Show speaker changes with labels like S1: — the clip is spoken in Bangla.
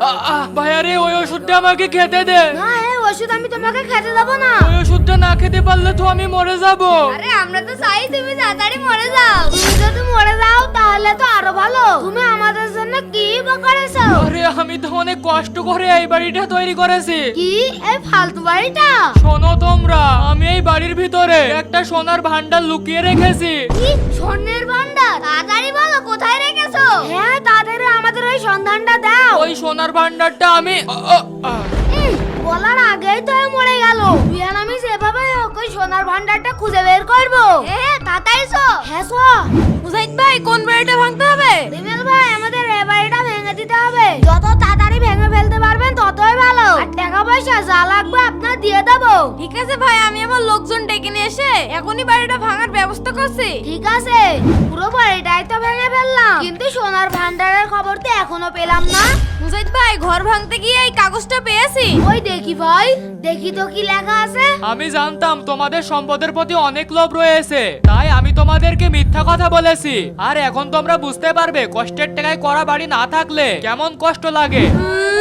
S1: ভাইয়া রে ওই ওষুধটা আমাকে খেতে দে।
S2: না এই ওষুধ আমি তোমাকে খেতে দেবো না।
S1: ওই ওষুধটা না খেতে পারলে তো আমি মরে যাব।
S2: আরে আমরা তো চাই তুমি তাড়াতাড়ি মরে যাও। তুমি যদি মরে যাও তাহলে তো আরো ভালো। তুমি আমাদের জন্য কি বা করেছো?
S1: আরে আমি তো অনেক কষ্ট করে এই বাড়িটা তৈরি করেছি।
S2: কি এই ফালতু বাড়িটা?
S1: শোনো তোমরা, আমি এই বাড়ির ভিতরে একটা সোনার ভান্ডার লুকিয়ে রেখেছি।
S2: কি স্বর্ণের ভান্ডার? তাড়াতাড়ি বলো কোথায় রেখেছো? হ্যাঁ তাদের আমাদের ওই সন্ধানটা দাও।
S1: ওই সোনার ভান্ডারটা আমি
S2: বলার আগেই তো মরে গেল। তুই আর আমি সেভাবে ওই সোনার ভান্ডারটা খুঁজে বের করবো। তাড়াতাড়ি চো। হ্যাঁ চো।
S3: মুজাহিদ ভাই কোন বাড়িটা ভাঙতে হবে?
S2: রিমেল ভাই আমাদের এই বাড়িটা ভেঙে দিতে হবে। যত তাড়াতাড়ি ভেঙে ফেলতে পারবেন ততই ভালো। আর টাকা পয়সা যা লাগবে আপনার দিয়ে দেবো।
S3: ঠিক আছে ভাই, আমি আমার লোকজন ডেকে নিয়ে এসে এখনই বাড়িটা ভাঙার ব্যবস্থা করছি।
S2: ঠিক আছে, পুরো বাড়িটাই তো ভেঙে ফেললাম, কিন্তু সোনার ভান্ডারের খবর তো এখনো পেলাম না।
S3: মুজাহিদ ভাই ঘর ভাঙতে গিয়ে এই কাগজটা পেয়েছি।
S2: ওই দেখি ভাই, দেখি তো কি লেখা আছে।
S1: আমি জানতাম তোমাদের সম্পদের প্রতি অনেক লোভ রয়েছে, তাই আমি তোমাদেরকে মিথ্যা কথা বলেছি। আর এখন তোমরা বুঝতে পারবে কষ্টের টাকায় করা বাড়ি না থাকলে কেমন কষ্ট লাগে।